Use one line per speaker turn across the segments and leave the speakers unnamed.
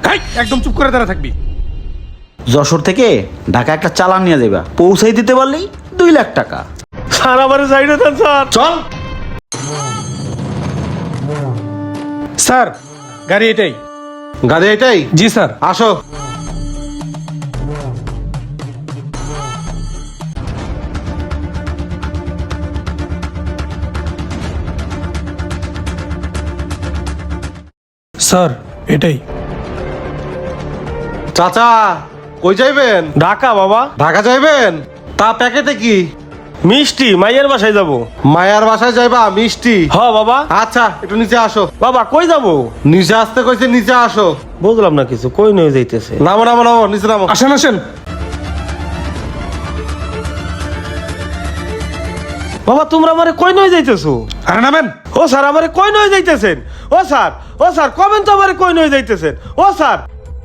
একদম চুপ করে দাঁড়া থাকবি।
যশোর থেকে ঢাকা একটা চালান নিয়ে যাবা, পৌঁছাই দিতে পারলেই 2 লাখ টাকা।
স্যার আমারে সাইডে দেন স্যার।
চল।
স্যার গাড়ি এটাই।
গাড়ি এটাই?
জি স্যার।
আসো।
স্যার এটাই।
চাচা কই যাইবেন?
ঢাকা বাবা।
ঢাকা যাইবেন? তা প্যাকেটে কি?
মিষ্টি, মাইয়ের বাসায় যাব।
মায়ার বাসায় যাইবা? মিষ্টি?
হ বাবা।
আচ্ছা একটু নিচে আসো।
বাবা কই যাব?
নিচে আসতে কইছে, নিচে আসো।
বুঝলাম না কিছু, কই নিয়ে যাইতেছে?
নামো নামো নামো, নিচে নামো।
আসেন আসেন।
বাবা তোমরা আমারে কই নিয়ে যাইতেছো?
আরে নামেন।
ও স্যার আমারে কই নিয়ে যাইতেছেন? ও স্যার কবেন তো আমারে কই নিয়ে যাইতেছেন? ও স্যার।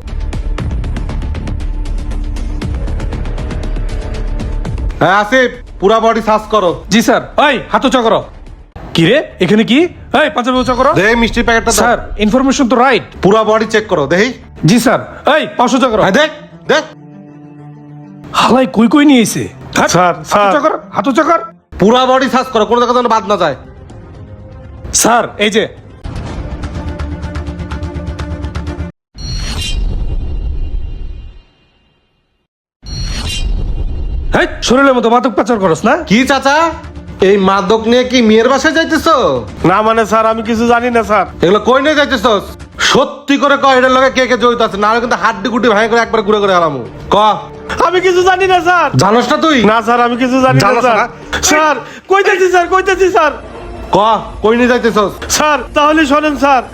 হ্যাঁ আসিফ, পুরা বডি সার্চ করো।
জি স্যার। এই হাত উঁচা করো। কি রে এখানে কি? এই পাঞ্জাবি উঁচা করো।
দেখি মিষ্টির প্যাকেটটা দাও।
স্যার ইনফরমেশন তো রাইট।
পুরা বডি চেক করো দেখি।
জি স্যার। এই পাঁচ উঁচা করো।
হ্যাঁ দেখ দেখ।
হালাই কই কই নিয়ে এসে।
Sir, sir.
হাত উঁচা কর, হাত উঁচা কর।
পুরা বডি সার্চ করো, কোনো জায়গা যেন বাদ না যায়।
স্যার এই যে। এই শরীরের মতো মাদক পাচার করস না?
কি চাচা, এই মাদক নিয়ে কি মেয়ের বাসায় যাইতেছো?
না মানে স্যার আমি কিছু জানি না স্যার।
এগুলো কই নিয়ে যাইতেছো? সত্যি করে কয়, এটার লগে কে কে জড়িত আছে, না হলে কিন্তু হাড্ডি গুটি ভাঙে করে একবার ঘুরে করে হারামু। ক।
আমি কিছু জানি না স্যার।
জানোস না তুই?
না স্যার আমি কিছু জানি না
জানোস
স্যার।
না?
স্যার কইতেছি স্যার, কইতেছি স্যার।
ক, কই নিয়ে যাইতেছস?
স্যার তাহলে শোনেন স্যার।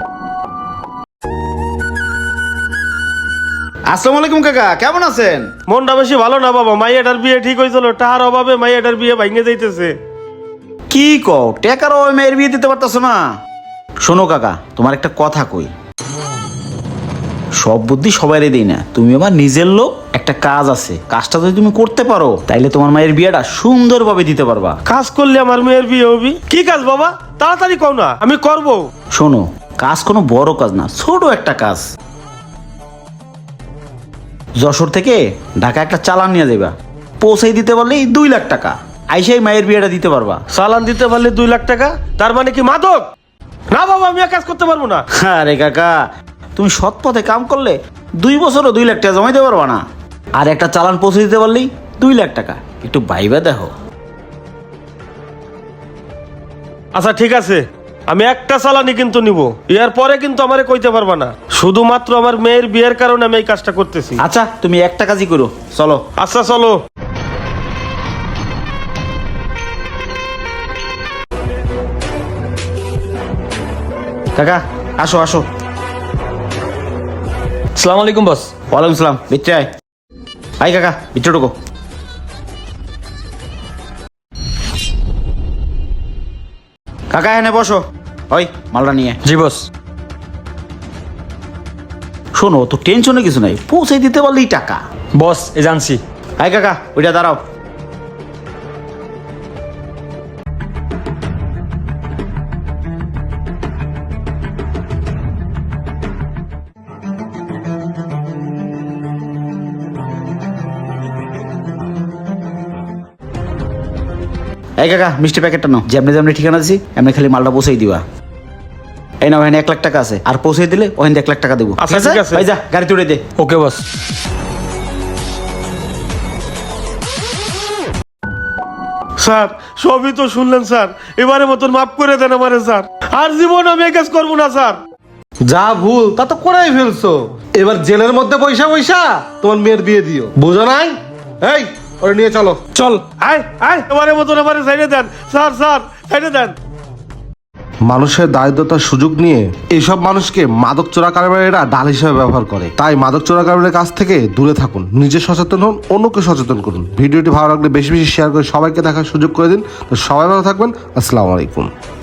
আসসালামু আলাইকুম কাকা, কেমন আছেন?
মনটা বেশি ভালো না বাবা, মাইয়াটার বিয়ে ঠিক হয়েছিল, টাকার অভাবে মাইয়াটার বিয়ে ভাঙে যাইতেছে।
কি কও, টাকার ওই মেয়ের বিয়ে দিতে পারতাছো না? শোনো কাকা, তোমার একটা কথা কই, সব বুদ্ধি সবাইরে দেই না। তুমি আমার নিজের লোক, একটা কাজ আছে, কাজটা যদি তুমি করতে পারো তাইলে তোমার মায়ের বিয়েটা সুন্দরভাবে দিতে পারবা।
কাজ করলে আমার মেয়ের বিয়ে হবি? কি কাজ বাবা, তাড়াতাড়ি কও না, আমি করব।
শোনো, কাজ কোনো বড় কাজ না, ছোট একটা কাজ। যশোর থেকে ঢাকা একটা চালান নিয়ে যাবা, পৌঁছাই দিতে পারলেই 2 লাখ টাকা। আইসাই মায়ের বিয়েটা দিতে পারবা।
চালান দিতে পারলে 2 লাখ টাকা? তার মানে কি মাদক? না বাবা আমি আর কাজ করতে পারবো না।
আরে কাকা, তুমি সৎ পথে কাম করলে 2 বছরও 2 লাখ টাকা জমাইতে পারবা না। আর একটা চালান পৌঁছে দিতে পারলেই 2 লাখ টাকা। একটু ভাইবা দেখো।
আচ্ছা ঠিক আছে, আমি একটা চালানি কিন্তু নিব, এর পরে কিন্তু আমারে কইতে পারবা না। শুধুমাত্র আমার মেয়ের বিয়ের কারণে আমি এই কাজটা করতেছি।
আচ্ছা তুমি একটা কাজই করো, চলো।
আচ্ছা চলো।
কাকা আসো আসো।
আসসালামু আলাইকুম বস।
ওয়ালাইকুম সালাম। ভিতরে আয়। আয় কাকা, ভিতরে ঢোকো। কাকা এনে বসো। ওই মালটা নিয়ে।
জি বস।
শোনো, তো টেনশনে কিছু নাই, পৌঁছে দিতে পারলেই টাকা।
বস এই জানছি।
আয় কাকা, ওইটা দাঁড়াও। এই কাকা, মিষ্টি প্যাকেটটা নাও। যেমনি যেমনি ঠিকানা দিছি এমনি খালি মালটা পৌঁছাই দিবা। এই নাও, এখানে 1 লাখ টাকা আছে, আর পৌঁছে দিলে ওখানে 1 লাখ টাকা দেবো।
আচ্ছা, ঠিক আছে।
ভাই যা, গাড়ি তুলে দে।
ওকে বস।
স্যার সবই তো শুনলেন স্যার, এবারে মতন মাফ করে দেন আমারে স্যার, আর জীবন আমি এই কাজ করবো না স্যার।
যা ভুল তা তো করেই ফেলছো, এবার জেলের মধ্যে পয়সা পয়সা তোমার মেয়ের বিয়ে দিও, বুঝো নাই? এই ওরে নিয়ে চলো।
চল।
আয় আয়, এবারে মতন আমারে সাইডে দেন স্যার, স্যার সাইডে দেন।
মানুষের দারিদ্রতার সুযোগ নিয়ে এইসব মানুষকে মাদক চোরাকারবারীরা ডাল হিসেবে ব্যবহার করে। তাই মাদক চোরাকারবারীর কাছ থেকে দূরে থাকুন, নিজে সচেতন হন, অন্যকে সচেতন করুন। ভিডিওটি ভালো লাগলে বেশি বেশি শেয়ার করে সবাইকে দেখার সুযোগ করে দিন। তো সবাই ভালো থাকবেন। আসসালামু আলাইকুম।